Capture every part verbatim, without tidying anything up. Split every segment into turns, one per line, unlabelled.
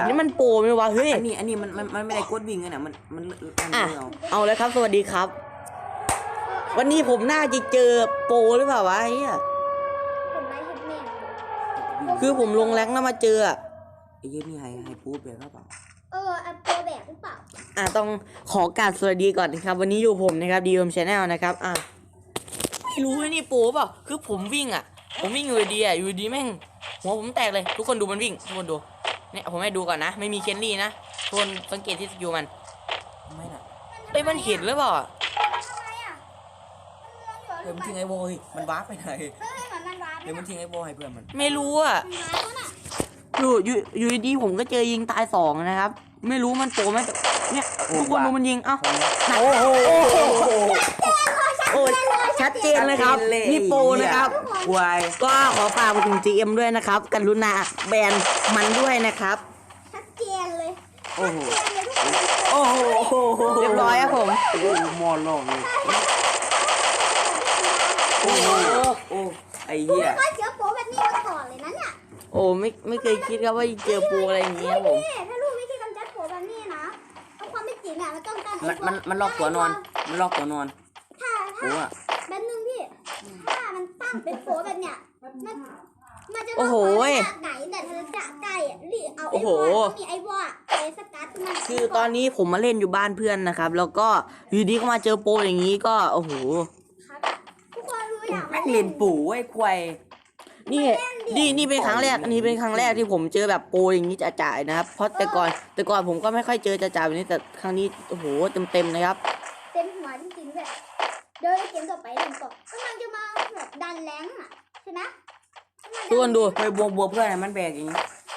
อันนี้มันโปรไหมวะเฮ้ย
อันนี้อันนี้มันมันมันไม่ได้กดวิ่งกันนะมันมันมัน
อ่ะ
เอา
เอาเลยครับสวัสดีครับ วันนี้ผมน่าจะเจอโปรหรือเปล่าวะไอ้เหี้ย
ผมไล่เห็ดแม่
คือผมลงแรงแล้วมาเจออะ
ไอ้เหี้ยนี่ให้ให้พูดแบบว่าเปล่า
เอออันตัวแบบหรือเปล่า
อ่ะต้องขอการสวัสดีก่อนนะครับ วันนี้อยู่ผมนะครับดีเอ็มชาแนลนะครับอ่ะไม่รู้ว่านี่โปรเปล่าคือผมวิ่งอ่ะ ผมวิ่งอยู่ดีอ่ะอยู่ดีแม่งหัวผมแตกเลยทุกคนดูมันวิ่งทุกคนดูเนี่ยผมให้ดูก่อนนะไม่มีเคนลี่นะทุกคนสังเกตที่สกิลมัน
ไม่น่ะ
เอ้ยมันเห็นหรือเปล่าอ่ะ
ทำไมอ่ะมันเลื้องอยู่
เดี๋ยวมันทิ้งไอ้โบยมันวาร์ปไปไหน
เฮ้ยเหมือนมันวาร์ป
เดี๋ยวมันทิ้งไอ้โบให้เพื่อนมัน
ไม่รู้อ่ะ
มันวาร์ปแล้วน่ะ
อยู่อยู่อยู่ดีๆผมก็เจอยิงตายสองนะครับ ไม่รู้มันโปรไหมแต่เนี่ยทุกคนดูมันยิงเอ้า
โอ้โห
โอ้ยชัดเจนเลยครับนี่โปรนะครับ
ควาย
ก็ขอฝากไปถึง จี เอ็ม ด้วยนะครับกรุณาแบนมันด้วยนะครับ
ชัดเจนเลย
โอ้โห
ชัดเจนเลยทุกคน
โอ้โห
เรียบร้อยครับผม
โอ้โหมอลองเลยโอ้โหโอ้ไอ้เหี้ย
ก็เจอโป๊แบบนี้มาก่อนเลยนะเนี่ย
โอ้ไม่ไม่เคยคิดครับว่าจะเจอโปรอะไรอย่างเงี้ยครับผม
พี่ถ้ารู้วิธีกำจัดโป๊แบบนี้นะเอาความเป็นจริงอ่ะมันต้องการ
มันมันมันลอกตัวนอนมันลอกตัวนอน
ถ้า
โอ้
ถ้า
อะ
แบบนึงพี่ถ้ามันตั้งเป็นโป๊แบบเนี้ยมันมันจะ
โอ้โห
จากไหนแต่เธอจะไก่อ่ะรีเอา
โอ้
ไอ้
โห
วอมีไอ้วอไอ้สกัดมัน
คือตอนนี้ผมมาเล่นอยู่บ้านเพื่อนนะครับ แล้วก็อยู่ดีก็มาเจอโปรอย่างนี้ก็โอ้โห
ครับทุกคนรู้อย่าง
แม่งเล่นปู่ไอ้ควาย
นี่นี่นี่เป็นครั้งแรกนี่เป็นครั้งแรกที่ผมเจอแบบโปรอย่างนี้จ่ายๆนะครับ เพราะแต่ก่อนแต่ก่อนผมก็ไม่ค่อยเจอจ่ายๆแบบนี้แต่ครั้งนี้โอ้โหเต็มๆนะครับ
เต็มหัวจริงๆเลยเดินเกมต่อไปเดินต่อกำลังจะมาแบบดันแรงอ่ะใช่ไหม
ทุกคนดู
เฮ้ยบัวบัวเพื่อนมันแบกอย่างนี้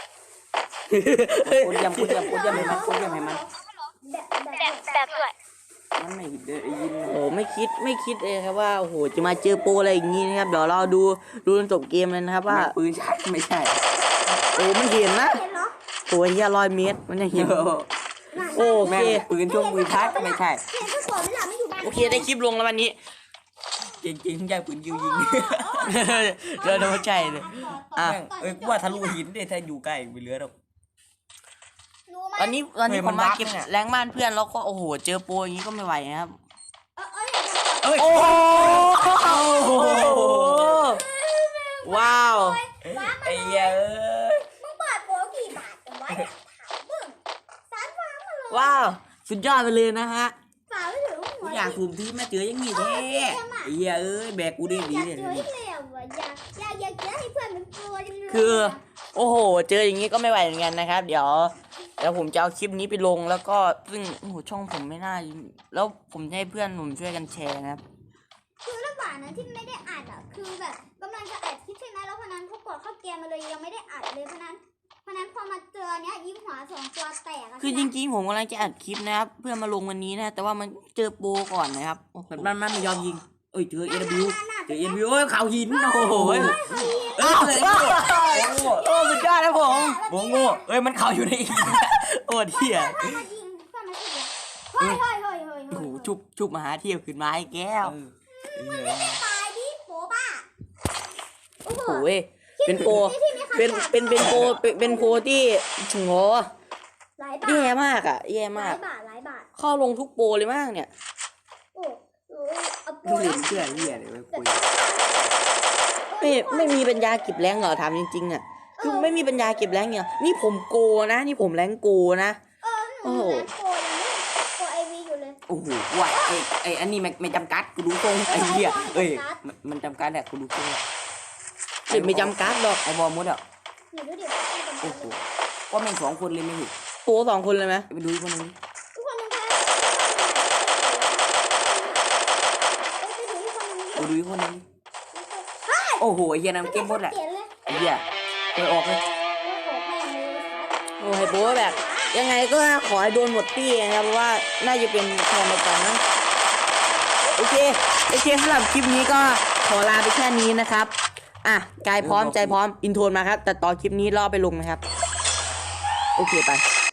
กดยำกดยำกดยำให้มันกดยำให้มัน
แบบแบบแบบด้วย
มันไม่เดินยิน
โอ้โหไม่คิดไม่คิดเลยครับว่าโอ้โหจะมาเจอโปรอะไรอย่างนี้นะครับเดี๋ยวเราดูดูจนจบเกมเลยนะครับว่า
ปืนใช่ไม่ใช่
โอ้มันเห็นนะ
เห็นเหรอ
ตัวเฮียร้อยเมตรมันยังเห็น โอเค
แม่ปืนช่วงปืนชักไม่ใช่
เห็นก็สอนไม่หลับไม่อยู่บ้าน
โอเคได้คลิปลงแล้ววันนี้
จริงจริงใช่ปืนยิวยิง
เราโดนใจเลยอ่ะ
เอ้ยกูว่าทะลุหินเด้ถ้าอยู่ใกล้ไปเรือหรอก
รู้ไหม
ตอนนี้ตอนนี้
เฮ้ย
ผ
มั
ม
น
มา
บั๊ก
เก็บ
เนี่ย
แรงบ้านเพื่อนแล้วก็โอ้โหเจอโปรอย่างนี้ก็ไม่ไหวนะครับ
เออเออเห็น
เอ้ย
โอ้โหว้าว
ว้า
ไอ้เหี้ยเอ้ย
มึงเปิดโป๊กี่บาทกันวะเนี่ยถามมึงสารฟ้ามาเลย
ว้าวสุดยอดไปเลยนะฮะ
ฝาไม่ถึงหั
กู
ว
อยากคุมที่แม่เจอยังงี้แท้ไอ้เหี้ยเอ้ยแบกกูได้ดี
อยาก
เนี่ย
เจอให้เร็วอ่ะอยากอยากอยากเจอให้เพื่อนเป็นตัวจังเลย
คือ โอ้โห เจออย่างนี้ก็ไม่ไหวเหมือนกันนะครับ เดี๋ยวเดี๋ยวผมจะเอาคลิปนี้ไปลงแล้วก็ซึ่งโอ้โหช่องผมไม่น่าแล้วผมจะให้เพื่อนผมช่วยกันแชร์นะครับ
คือระหว่างนั้นที่ไม่ได้อัดอ่ะคือแบบกำลังจะอัดคลิปใช่ไหมแล้วพนันเขากดเข้าเกมมาเลยยังไม่ได้อัดเลยพนันพนันพอมาเจอเนี้ยยิงหัวสองตัวแตกอะ
คือจริงๆผมกำลังจะอัดคลิปนะครับ เพื่อมาลงวันนี้นะ แต่ว่ามันเจอโปรก่อนนะครับโอ้โห
มันมันมันไม่ยอมยิงเอ้ยเจอเอ็นบิวเจอเอ็นบิวเอ้ยข่าวหินโอ้โหเอ้ย
อ้าว
เลย
โอ้สุดยอดนะผม
โง่โง่เอ้ยมันข่าวอยู่ในหิน
โอ้เที่ย
เพื่อนมายิงเพื่อนมายิงเฮ้ยเฮ้ยเฮ้ยเฮ้ย
โอ้โหชุบชุบมาหาเที่ยวขึ้นมาให้แก้ว
ตายดิโป๊บ้าโอ้โห
โอ้ยเป็นโปรเป็นเป็นเป็นโปรเป็นเป็นโปรที่โห
หลายบาท
แย่มากอ่ะแย่
ห
มา
ลาก ยบาทหลายบาท
เข้าลงทุกโปรเลยมากเนี่ย
โอ้โหเอาโปร
กูเห็น
นะ
เสื้อเหี้ยเลยเว้ยคุย
ไม่ไม่มีปัญญาเก็บแรงเหรอถามจริงๆอ่ะคือไม่มีปัญญาเก็บแรงเนี่ยนี่ผมโกนะ นี่ผมแรงโกนะ
เออหนูยังโปรยังไม่โปรไอวีอยู่เลย
โอ้โหว่ะไอ้ไอ้อันนี้ไม่ไม่จำกัดกูดูตรงไอ้เหี้ยเอ้ยมันมันจำกัดแหละกูดูตรง
เด็ไม่จำกัดหรอก
ไอ้บอลมดอ่ะ
หนูดูดิ
โอ้โหว่าแม่งสองคนเลยไม่ถูก
โปรสองคนเลยไหม
ไปดูอีกคนนึง
ทุกคนนึงแพ้ไปดูอีกคนนึง
ไปดูอีกคนนึงโอ้โหไอ้เหี้ยนั่นเกมหมดแหละ
เปลี่ยนเลย
ไอ้เหี้ยเคยออกเลย
โอ้โหแม่งเลย
โอ้ยโปรแบบ ยังไงก็ขอให้โดนหมดตี้นะครับเพราะว่าน่าจะเป็นแทนในกันนะโอเคโอเคสำหรับคลิปนี้ก็ขอลาไปแค่นี้นะครับอ่ะกายพร้อมใจพร้อมอินโทรมาครับแต่ต่อคลิปนี้รอไปลงนะครับโอเคไป